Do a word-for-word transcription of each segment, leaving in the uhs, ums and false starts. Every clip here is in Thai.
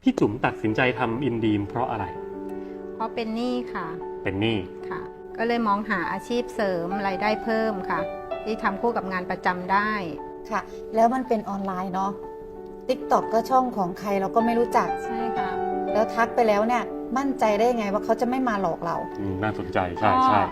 พี่จุ๋มตัดสินใจทำอินดีมเพราะอะไรเพราะเป็นหนี้ค่ะเป็นหนี้ค่ะ ก็เลยมองหาอาชีพเสริมรายได้เพิ่มค่ะ ที่ทำคู่กับงานประจำได้ค่ะแล้วมันเป็นออนไลน์เนาะ ติ๊กต็อก ก็ช่องของใครเราก็ไม่รู้จักใช่ค่ะแล้วทักไปแล้วเนี่ยมั่นใจได้ไงว่าเขาจะไม่มาหลอกเราอืมน่าสนใจใช่ใช่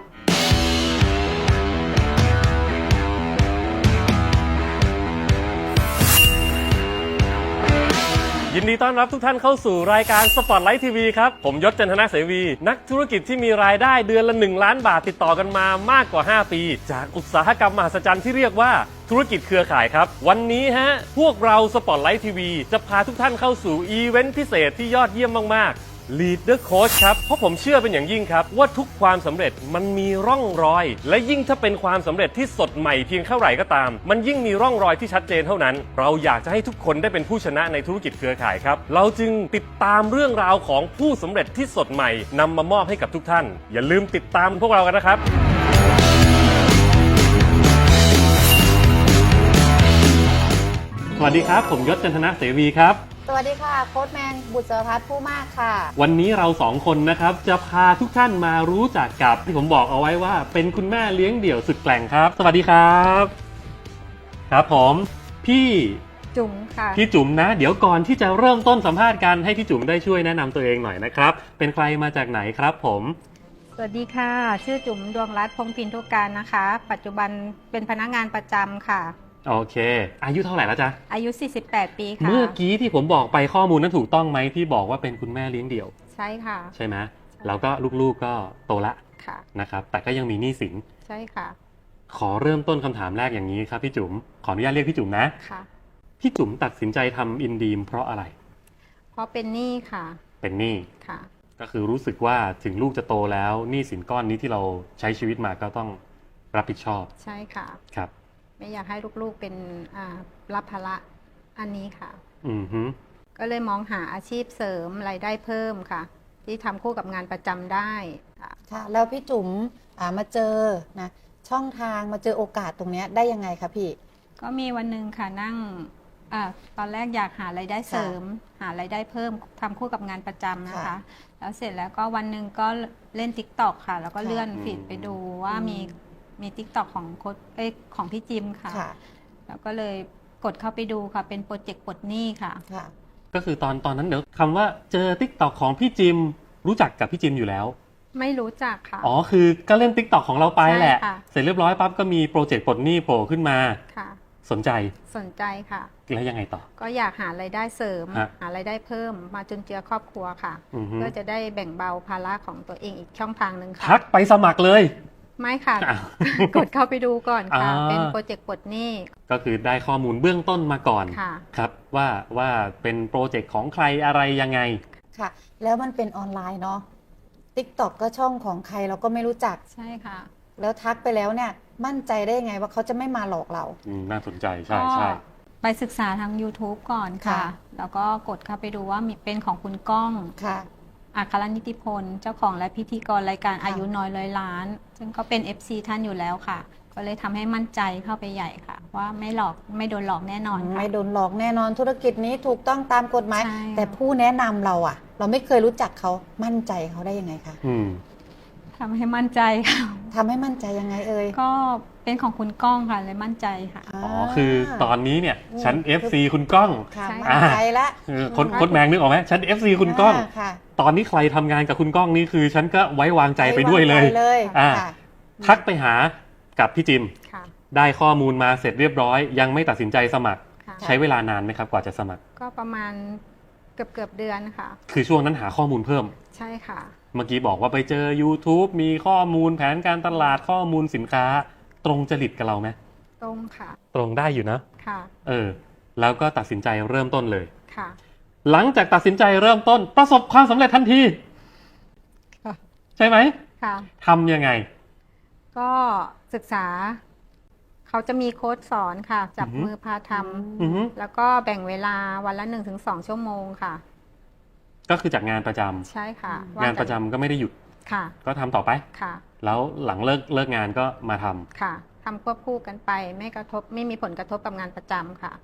ยินดีต้อนรับทุกท่านเข้าสู่รายการ Spotlight ที วี ครับผมยศ จันทนาเสวี นักธุรกิจที่มีรายได้เดือนละหนึ่งล้านบาทติดต่อกันมามากกว่าห้าปี จากอุตสาหกรรมมหัศจรรย์ที่เรียกว่าธุรกิจเครือข่ายครับวันนี้ฮะพวกเรา Spotlight ที วี จะพาทุกท่านเข้าสู่อีเวนต์พิเศษที่ยอดเยี่ยมมากๆLead the Coach ครับเพราะผมเชื่อเป็นอย่างยิ่งครับว่าทุกความสำเร็จมันมีร่องรอยและยิ่งถ้าเป็นความสำเร็จที่สดใหม่เพียงเท่าไหร่ก็ตามมันยิ่งมีร่องรอยที่ชัดเจนเท่านั้นเราอยากจะให้ทุกคนได้เป็นผู้ชนะในธุรกิจเครือข่ายครับเราจึงติดตามเรื่องราวของผู้สำเร็จที่สดใหม่นำมามอบให้กับทุกท่านอย่าลืมติดตามพวกเรากันนะครับสวัสดีครับผมยศ จันทนาเสวีครับสวัสดีค่ะโค้ชแมนบุษพัฒน์ผู้มากค่ะวันนี้เราสองคนนะครับจะพาทุกท่านมารู้จักกับที่ผมบอกเอาไว้ว่าเป็นคุณแม่เลี้ยงเดี่ยวสุดแกร่งครับสวัสดีครับครับผมพี่จุ๋มค่ะพี่จุ๋มนะเดี๋ยวก่อนที่จะเริ่มต้นสัมภาษณ์กันให้พี่จุ๋มได้ช่วยแนะนำตัวเองหน่อยนะครับเป็นใครมาจากไหนครับผมสวัสดีค่ะชื่อจุ๋มดวงรัตน์พงษ์พินทุการนะคะปัจจุบันเป็นพนักงานประจำค่ะโอเคอายุเท่าไหร่แล้วจ๊ะอายุสี่สิบแปดปีค่ะเมื่อกี้ที่ผมบอกไปข้อมูลนั้นถูกต้องไหมที่บอกว่าเป็นคุณแม่เลี้ยงเดี่ยวใช่ค่ะใช่ไหมแล้วก็ลูกๆก็โตละค่ะนะครับแต่ก็ยังมีหนี้สินใช่ค่ะขอเริ่มต้นคำถามแรกอย่างนี้ครับพี่จุ๋มขออนุญาตเรียกพี่จุ๋มนะค่ะพี่จุ๋มตัดสินใจทำอินดีมเพราะอะไรเพราะเป็นหนี้ค่ะเป็นหนี้ค่ะก็คือรู้สึกว่าถึงลูกจะโตแล้วหนี้สินก้อนนี้ที่เราใช้ชีวิตมาก็ต้องรับผิดชอบใช่ค่ะครับไม่อยากให้ลูกๆเป็นรับภาระอันนี้ค่ะอือฮึก็เลยมองหาอาชีพเสริมรายได้เพิ่มค่ะที่ทำคู่กับงานประจำได้ค่ะแล้วพี่จุ๋มมาเจอนะช่องทางมาเจอโอกาสตรงนี้ได้ยังไงคะพี่ก็มีวันหนึ่งค่ะนั่งอตอนแรกอยากหารายได้เสริมหารายได้เพิ่มทำคู่กับงานประจำนะคะแล้วเสร็จแล้วก็วันหนึ่งก็เล่น ติ๊กต็อก ค่ะแล้วก็เลื่อนฟีดไปดูว่ามีมี ติ๊กต็อก ของโค้ชเอ้ของพี่จิมค่ะแล้วก็เลยกดเข้าไปดูค่ะเป็นโปรเจกต์ปลดหนี้ค่ะก็คือตอนตอนนั้นเดี๋ยวคำว่าเจอ ติ๊กต็อก ของพี่จิมรู้จักกับพี่จิมอยู่แล้วไม่รู้จักค่ะอ๋อคือก็เล่น ติ๊กต็อก ของเราไปแหละเสร็จเรียบร้อยปั๊บก็มีโปรเจกต์ปลดหนี้โผล่ขึ้นมาค่ะสนใจสนใจค่ะแล้วยังไงต่อก็อยากหารายได้เสริมหารายได้เพิ่มมาจุนเจือครอบครัวค่ะเพื่อจะได้แบ่งเบาภาระของตัวเองอีกช่องทางหนึ่งค่ะทักไปสมัครเลยไม่ค่ะกดเข้าไปดูก่อนค่ะเป็นโปรเจกต์ปลดหนี้ก็คือได้ข้อมูลเบื้องต้นมาก่อนครับว่าว่าเป็นโปรเจกต์ของใครอะไรยังไงค่ะแล้วมันเป็นออนไลน์เนาะ ติ๊กต็อก ก็ช่องของใครเราก็ไม่รู้จักใช่ค่ะแล้วทักไปแล้วเนี่ยมั่นใจได้ไงว่าเขาจะไม่มาหลอกเราน่าสนใจใช่ใช่ไปศึกษาทาง ยูทูบ ก่อนค่ะแล้วก็กดเข้าไปดูว่ามีเป็นของคุณก้องค่ะอัครนิติพลเจ้าของและพิธีกรรายการอายุน้อยร้อยล้านซึ่งก็เป็น เอฟ ซี ท่านอยู่แล้วค่ะก็เลยทำให้มั่นใจเข้าไปใหญ่ค่ะว่าไม่หลอกไม่โดนหลอกแน่นอนไม่โดนหลอกแน่นอนธุรกิจนี้ถูกต้องตามกฎหมายแต่ผู้แนะนำเราอ่ะเราไม่เคยรู้จักเขามั่นใจเขาได้ยังไงคะทำให้มั่นใจค่ะทำให้มั่นใจยังไงเอ่ยก็เป็นของคุณก้องค่ะเลยมั่นใจค่ะอ๋อคือตอนนี้เนี่ยฉัน เอฟ ซี คุณก้องมั่นใจแล้วคนคนแมงนึกออกไหมฉัน เอฟ ซี คุณก้องตอนนี้ใครทำงานกับคุณก้องนี่คือฉันก็ไว้วางใจไปด้วยเลยอ่าทักไปหากับพี่จิมได้ข้อมูลมาเสร็จเรียบร้อยยังไม่ตัดสินใจสมัครใช้เวลานานไหมครับกว่าจะสมัครก็ประมาณเกือบเกือบเดือนค่ะคือช่วงนั้นหาข้อมูลเพิ่มใช่ค่ะเมื่อกี้บอกว่าไปเจอ ยูทูบ มีข้อมูลแผนการตลาดข้อมูลสินค้าตรงจริตกับเราไหมตรงค่ะตรงได้อยู่นะค่ะเออแล้วก็ตัดสินใจเริ่มต้นเลยค่ะหลังจากตัดสินใจเริ่มต้นประสบความสำเร็จทันทีใช่ไหมค่ะทำยังไงก็ศึกษาเขาจะมีโค้ชสอนค่ะจับมือพาทำแล้วก็แบ่งเวลาวันละ หนึ่งถึงสอง ชั่วโมงค่ะก็คือจากงานประจำใช่ค่ะงานประจำก็ไม่ได้หยุดค่ะก็ทำต่อไปค่ะแล้วหลังเลิกเลิกงานก็มาทำค่ะทำควบคู่กันไปไม่กระทบไม่มีผลกระทบกับงานประจำค่ะ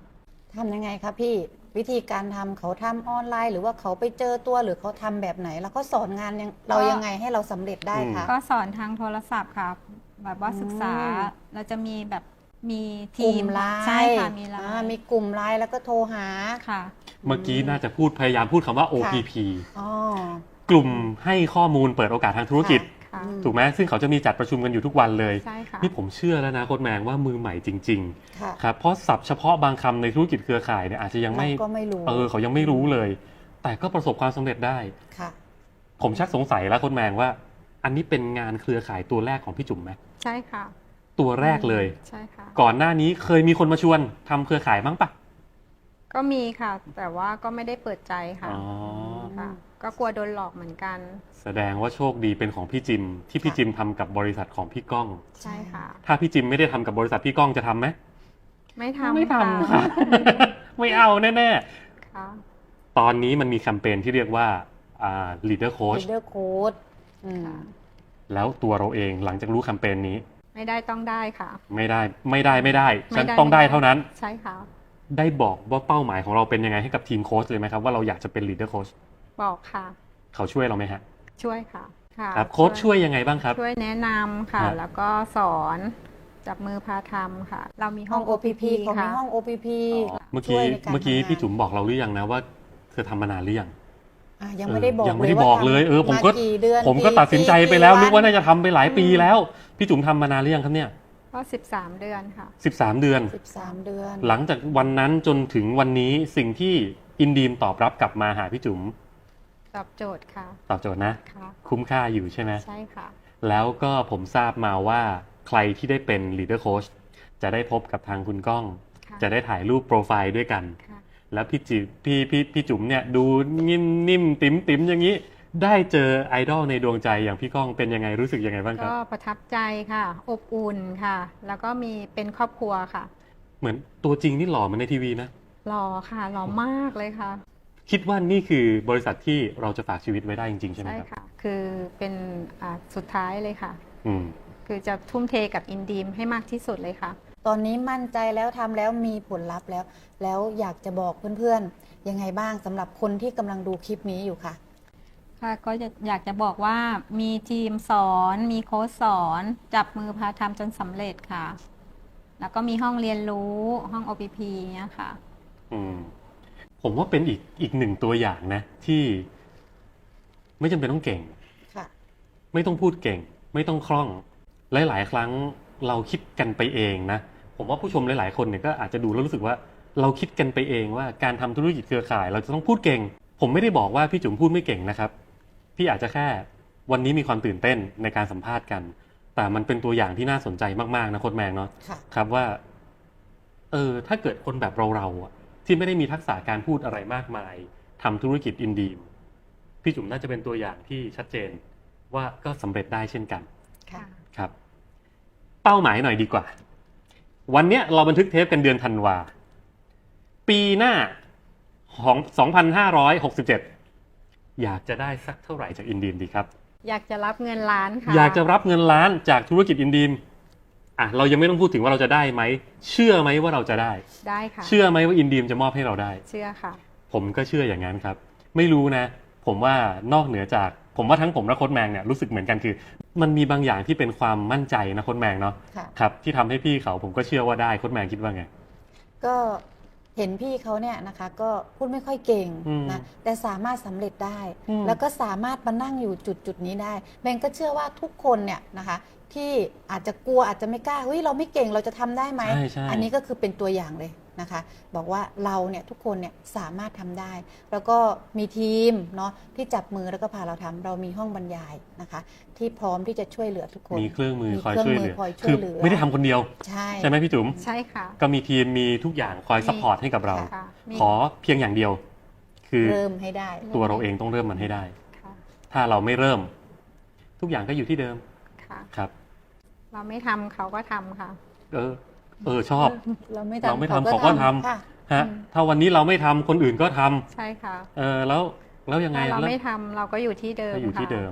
ทำยังไงคะพี่วิธีการทำเขาทำออนไลน์ หรือว่าเขาไปเจอตัวหรือเขาทำแบบไหน แล้วก็สอนงานยังเรายังไงให้เราสำเร็จได้คะก็สอนทางโทรศัพท์ค่ะแบบว่าศึกษาอืมเราจะมีแบบมีกทีลุ่มมไลน์ใช่ค่ะมีไลอ่าน์มีกลุ่มไลน์แล้วก็โทรหาค่ะเมื่อกี้น่าจะพูดพยายามพูดคำว่า โอ พี พีอ๋อกลุ่มให้ข้อมูลเปิดโอกาสทางธุรกิจค่ะอืมถูกไหมซึ่งเขาจะมีจัดประชุมกันอยู่ทุกวันเลยใช่ค่ะนี่ผมเชื่อแล้วนะโค้ชแมงว่ามือใหม่จริงค่ะๆครับเพราะศัพท์เฉพาะบางคำในธุรกิจเครือข่ายเนี่ยอาจจะยังไม่เราก็ไม่รู้เออเขายังไม่รู้เลย แต่ก็ประสบความสำเร็จได้ค่ะผมชักสงสัยแล้วโค้ชแมงว่า อันนี้เป็นงานเครือข่ายตัวแรกของพี่จุ๋มไหมใช่ค่ะตัวแรกเลยใช่ค่ะก่อนหน้านี้เคยมีคนมาชวนทำเครือข่ายบ้างปะก็มีค่ะ แต่ว่าก็ไม่ได้เปิดใจค่ะอ๋อค่ะ ก็กลัวโดนหลอกเหมือนกันแสดงว่าโชคดีเป็นของพี่จิม ที่พี่ค่ะจิมทำกับบริษัทของพี่ก้องใช่ค่ะถ้าพี่จิมไม่ได้ทำกับบริษัทพี่ก้องจะทำไหมไม่ทำไม่ทำค่ะค่ะไม่เอาแน่ค่ะๆ ตอนนี้มันมีแคมเปญที่เรียกว่าอ่า leader coach leader coach อืมค่ะแล้วตัวเราเองหลังจากรู้แคมเปญนี้ไม่ได้ต้องได้ค่ะไม่ได้ไม่ได้ไม่ได้ ฉันไม่ได้ต้องได้ไม่ได้เท่านั้นใช่ค่ะได้บอกว่าเป้าหมายของเราเป็นยังไงให้กับทีมโค้ชเลยไหมครับว่าเราอยากจะเป็น leader coach บอกค่ะเขาช่วยเราไหมฮะช่วยค่ะค่ะครับโค้ชช่วยยังไงบ้างครับช่วยแนะนำค่ะฮะแล้วก็สอนจับมือพาทำค่ะ เรามีห้ห้ออง ง โอ พี พี เขามีค่ะห้อง โอ พี พีเมื่อช่กี้วยในการเมื่อกี้ทำงานพี่จุ๋มบอกเราหรือยังนะว่าเธอทำมานานหรือยังอ่ะยังไม่ได้บอกเออยังไม่ได้ว่าบอกเลยทำเออผมก็าเดือนผมก็กี่ตัดสินใจไปกี่แล้ววันึกว่าน่าจะทำไปหลายปีแล้ว พี่จุ๋มทำมานานหรือยังครับเนี่ยก็สิบสามเดือนค่ะสิบสามเดือนสิบสามเดือนหลังจากวันนั้นจนถึงวันนี้สิ่งที่อินดีมตอบรับกลับมาหาพี่จุ๋มตอบโจทย์ค่ะตอบโจทย์นะค่ะคุ้มค่าอยู่ใช่ไหมใช่ค่ะแล้วก็ผมทราบมาว่าใครที่ได้เป็น leader coach จะได้พบกับทางคุณก้องค่ะจะได้ถ่ายรูปโปรไฟล์ด้วยกันค่ะแล้วพี่จิพี่พี่พี่จุ๋มเนี่ยดูนิ่มนิ่มติ๋มติ๋มอย่างนี้ ได้เจอไอดอลในดวงใจอย่างพี่ก้องเป็นยังไงรู้สึกยังไงบ้างครับก็ประทับใจค่ะ อบอุ่นค่ะ แล้วก็มีเป็นครอบครัวค่ะเหมือนตัวจริงนี่หล่อเหมือนในทีวีนะหล่อค่ะ หล่อมากเลยค่ะคิดว่านี่คือบริษัทที่เราจะฝากชีวิตไว้ได้จริงๆใช่ไหมใช่ครับค่ะ คือเป็นอ่าสุดท้ายเลยค่ะอืมคือจะทุ่มเทกับอินดีมให้มากที่สุดเลยค่ะตอนนี้มั่นใจแล้วทำแล้วมีผลลัพธ์แล้ว แล้วอยากจะบอกเพื่อนๆ ยังไงบ้างสำหรับคนที่กำลังดูคลิปนี้อยู่ค่ะค่ะก็จะอยากจะบอกว่ามีทีมสอน มีโค้ชสอน จับมือพาทำจนสำเร็จค่ะ แล้วก็มีห้องเรียนรู้ห้อง โอ พี พี เนี่ยค่ะอืมผมว่าเป็นอีกอีกหนึ่งตัวอย่างนะ ที่ไม่จำเป็นต้องเก่งค่ะไม่ต้องพูดเก่ง ไม่ต้องคล่อง หลายๆ ครั้งเราคิดกันไปเองนะ ผมว่าผู้ชมหลายๆ คนเนี่ยก็อาจจะดูแล้วรู้สึกว่าเราคิดกันไปเองว่าการทำธุรกิจเครือข่าย เราจะต้องพูดเก่ง ผมไม่ได้บอกว่าพี่จุ๋มพูดไม่เก่งนะครับ พี่อาจจะแค่วันนี้มีความตื่นเต้นในการสัมภาษณ์กัน แต่มันเป็นตัวอย่างที่น่าสนใจมากๆนะโค้ชแมงเนาะค่ะครับว่า เออ ถ้าเกิดคนแบบเราๆอะที่ไม่ได้มีทักษะการพูดอะไรมากมายทำธุรกิจอินดีมพี่จุ๋มน่าจะเป็นตัวอย่างที่ชัดเจนว่าก็สำเร็จได้เช่นกันค่ะครับ เป้าหมายหน่อยดีกว่า วันเนี้ยเราบันทึกเทปกันเดือนธันวา ปีหน้าของ สองพันห้าร้อยหกสิบเจ็ด อยากจะได้สักเท่าไหร่จากอินดีมดีครับอยากจะรับเงินล้านค่ะอยากจะรับเงินล้านจากธุรกิจอินดีมอ่ะเรายังไม่ต้องพูดถึงว่าเราจะได้ไหม เชื่อไหมว่าเราจะได้ได้ค่ะเชื่อไหมว่าอินดีมจะมอบให้เราได้เชื่อค่ะผมก็เชื่ออย่างนั้นครับ ไม่รู้นะ ผมว่านอกเหนือจาก ผมว่าทั้งผมและโค้ชแมงเนี่ยรู้สึกเหมือนกันคือ มันมีบางอย่างที่เป็นความมั่นใจนะโค้ชแมงเนาะค่ะครับที่ทำให้พี่เขาผมก็เชื่อว่าได้โค้ชแมงคิดว่าไงก็เห็นพี่เขาเนี่ยนะคะ ก็พูดไม่ค่อยเก่งอืมนะแต่สามารถสำเร็จได้อืมแล้วก็สามารถมานั่งอยู่จุดจุดๆนี้ได้แมงก็เชื่อว่าทุกคนเนี่ยนะคะ ที่อาจจะกลัวอาจจะไม่กล้าเฮ้ยเราไม่เก่งเราจะทำได้ไหมใช่ใช่อันนี้ก็คือเป็นตัวอย่างเลยนะคะ บอกว่าเราเนี่ยทุกคนเนี่ยสามารถทำได้ แล้วก็มีทีมเนาะที่จับมือแล้วก็พาเราทำเรามีห้องบรรยายนะคะ ที่พร้อมที่จะช่วยเหลือทุกคนมีเครื่องมือมีคอยเครื่องช่วยมืเหอลือคอยช่คืวยอเหลือไม่ได้ทำคนเดียวใช่ใช่ไหมพี่จุ๋มใช่ค่ะก็มีทีมมีทุกอย่างคอยซัพพอร์ตให้กับเราค่ะมีขอเพียงอย่างเดียว คือเริ่มให้ได้ตัวเราเองต้องเริ่มมันให้ได้ค่ะถ้าเราไม่เริ่ม ทุกอย่างก็อยู่ที่เดิมค่ะครับเราไม่ทำเขาก็ทำค่ะเออ เออชอบเราไม่เราไม่ทำทำเขาก็ทำค่ะฮะถ้าวันนี้เราไม่ทำคนอื่นก็ทำใช่ค่ะเออแล้วแล้วยังไงถ้าเราแล้วไม่ทำเราก็อยู่ที่เดิมก็อยู่ที่ค่ะเดิม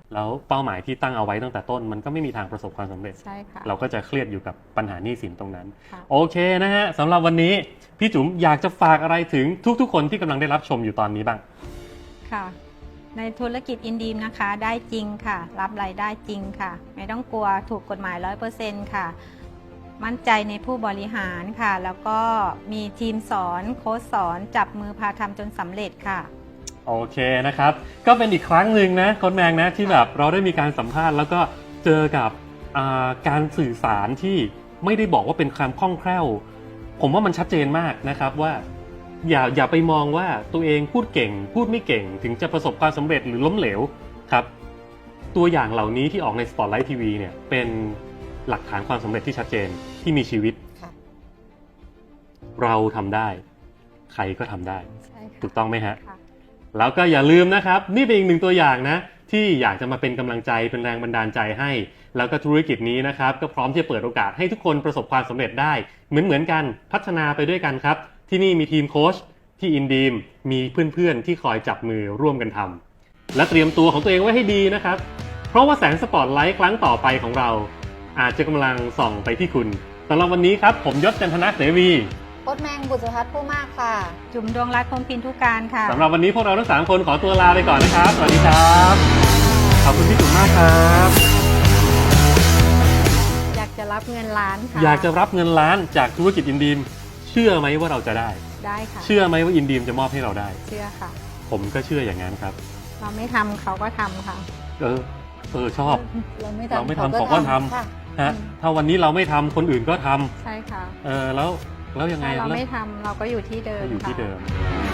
แล้วเป้าหมายที่ตั้งเอาไว้ตั้งแต่ต้นมันก็ไม่มีทางประสบความสำเร็จใช่ค่ะเราก็จะเครียดอยู่กับปัญหาหนี้สินตรงนั้นค่ะโอเคนะฮะสำหรับวันนี้พี่จุ๋มอยากจะฝากอะไรถึงทุกๆ คนที่กำลังได้รับชมอยู่ตอนนี้บ้างค่ะ ในธุรกิจอินดีมนะคะได้จริงค่ะ รับรายได้จริงค่ะ ไม่ต้องกลัวถูกกฎหมาย ร้อยเปอร์เซ็นต์ ค่ะ มั่นใจในผู้บริหารค่ะ แล้วก็มีทีมสอนโค้ชสอนจับมือพาทำจนสำเร็จค่ะโอเคนะครับก็เป็นอีกครั้งหนึ่งนะโค้ชแมงนะที่แบบเราได้มีการสัมภาษณ์แล้วก็เจอกับอ่าการสื่อสารที่ไม่ได้บอกว่าเป็นความคล่องแคล่ว ผมว่ามันชัดเจนมากนะครับว่าอย่าอย่าไปมองว่าตัวเองพูดเก่ง พูดไม่เก่ง ถึงจะประสบความสำเร็จหรือล้มเหลวครับตัวอย่างเหล่านี้ที่ออกใน Spotlight ที วี เนี่ยเป็นหลักฐานความสำเร็จที่ชัดเจนที่มีชีวิตค่ะเราทำได้ ใครก็ทำได้ใช่ค่ะถูกต้องไหมฮะค่ะแล้วก็อย่าลืมนะครับ นี่เป็นอีกหนึ่งตัวอย่างนะที่อยากจะมาเป็นกำลังใจเป็นแรงบันดาลใจให้ แล้วก็ธุรกิจนี้นะครับก็พร้อมที่จะเปิดโอกาสให้ทุกคนประสบความสำเร็จได้ เหมือนเหมือนกันพัฒนาไปด้วยกันครับ ที่นี่มีทีมโค้ชที่อินดีมมีเพื่อนๆที่คอยจับมือร่วมกันทำและเตรียมตัวของตัวเองไว้ให้ดีนะครับ เพราะว่าแสงสปอตไลท์ครั้งต่อไปของเรา อาจจะกำลังส่องไปที่คุณสำหรับวันนี้ครับผมยศจันทนะเสวีโค้ชแมงบุษพัฒน์ผู้มากค่ะจุ๋มดวงรัตน์พงษ์พินทุการค่ะสำหรับวันนี้พวกเราทั้งสามคนขอตัวลาไปก่อนนะครับ สวัสดีครับ ขอบคุณพี่จุ๋มมากครับอยากจะรับเงินล้านค่ะอยากจะรับเงินล้านจากธุรกิจอินดีมเชื่อไหมว่าเราจะได้ได้ค่ะเชื่อไหมว่าอินดีมจะมอบให้เราได้เชื่อค่ะผมก็เชื่ออย่างนั้นครับเราไม่ทำเขาก็ทำค่ะเออ เออชอบเราไม่เราไม่ทำทำเขาก็ทำค่ะฮะ ถ้าวันนี้เราไม่ทำคนอื่นก็ทำใช่ค่ะเออแล้วแล้วยังไงถ้าเราแล้วไม่ทำเราก็อยู่ที่เดิมก็อยู่ที่ค่ะเดิม